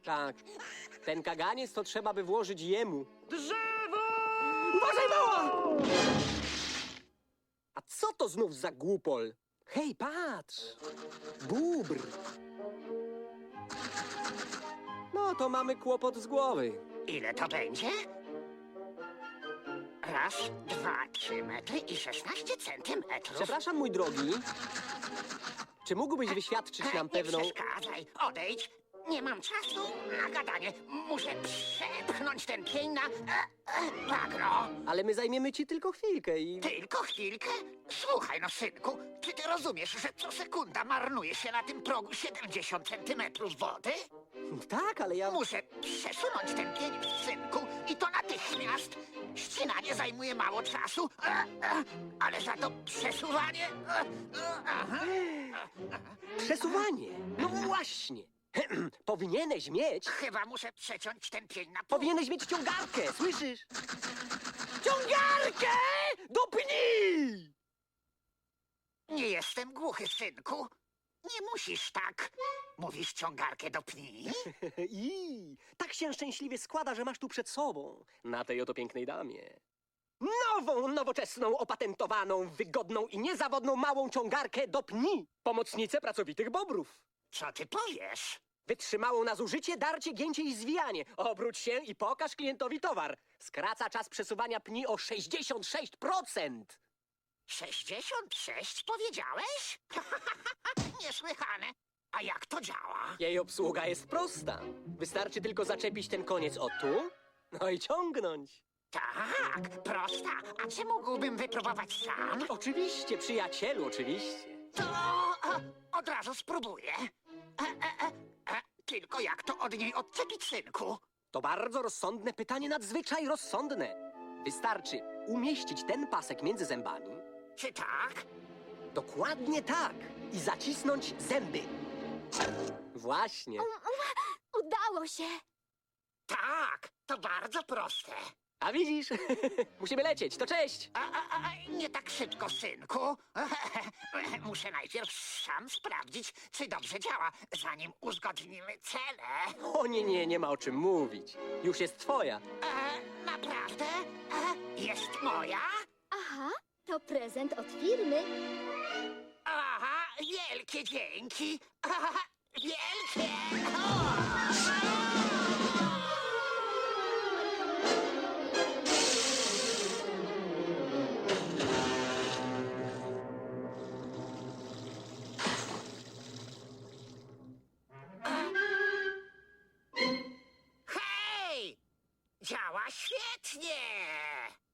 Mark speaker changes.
Speaker 1: Tak. Ten kaganiec to trzeba by włożyć jemu.
Speaker 2: Drzewo!
Speaker 1: Uważaj, mała! A co to znów za głupol? Hej, patrz! Bóbr! No to mamy kłopot z głowy.
Speaker 2: Ile to będzie? Raz, 2, 3 metry i 16 centymetrów.
Speaker 1: Przepraszam, mój drogi. Czy mógłbyś wyświadczyć nam
Speaker 2: Nie
Speaker 1: pewną...
Speaker 2: przeszkadzaj, odejdź. Nie mam czasu na gadanie. Muszę przepchnąć ten pień na bagno.
Speaker 1: Ale my zajmiemy ci tylko chwilkę i...
Speaker 2: Tylko chwilkę? Słuchaj, no synku, czy ty rozumiesz, że co sekunda marnuje się na tym progu 70 centymetrów wody?
Speaker 1: Tak, ale ja...
Speaker 2: Muszę przesunąć ten pień, synku, i to natychmiast. Ścinanie zajmuje mało czasu, ale za to przesuwanie... Aha.
Speaker 1: Przesuwanie! No właśnie! Powinieneś mieć...
Speaker 2: Chyba muszę przeciąć ten pień na pół.
Speaker 1: Powinieneś mieć ciągarkę, słyszysz? Ciągarkę! Dopnij!
Speaker 2: Nie jestem głuchy, synku. Nie musisz tak. Mówisz ciągarkę do pni?
Speaker 1: I tak się szczęśliwie składa, że masz tu przed sobą, na tej oto pięknej damie, nową, nowoczesną, opatentowaną, wygodną i niezawodną małą ciągarkę do pni. Pomocnicę pracowitych bobrów.
Speaker 2: Co ty powiesz?
Speaker 1: Wytrzymałą na zużycie, darcie, gięcie i zwijanie. Obróć się i pokaż klientowi towar. Skraca czas przesuwania pni o 66%.
Speaker 2: 66 powiedziałeś? Niesłychane. A jak to działa?
Speaker 1: Jej obsługa jest prosta. Wystarczy tylko zaczepić ten koniec o tu, no i ciągnąć.
Speaker 2: Tak, prosta. A czy mógłbym wypróbować sam?
Speaker 1: Oczywiście, przyjacielu, oczywiście.
Speaker 2: To od razu spróbuję. Tylko jak to od niej odczepić, synku?
Speaker 1: To bardzo rozsądne pytanie, nadzwyczaj rozsądne. Wystarczy umieścić ten pasek między zębami.
Speaker 2: Czy tak?
Speaker 1: Dokładnie tak. I zacisnąć zęby. Właśnie.
Speaker 3: Udało się!
Speaker 2: Tak, to bardzo proste.
Speaker 1: A widzisz? Musimy lecieć, to cześć.
Speaker 2: Nie tak szybko, synku. Muszę najpierw sam sprawdzić, czy dobrze działa, zanim uzgodnimy cele.
Speaker 1: O nie, nie ma o czym mówić. Już jest twoja.
Speaker 2: Naprawdę? Jest moja?
Speaker 3: Aha, to prezent od firmy.
Speaker 2: Aha, wielkie dzięki. Wielkie! Hej! Działa świetnie!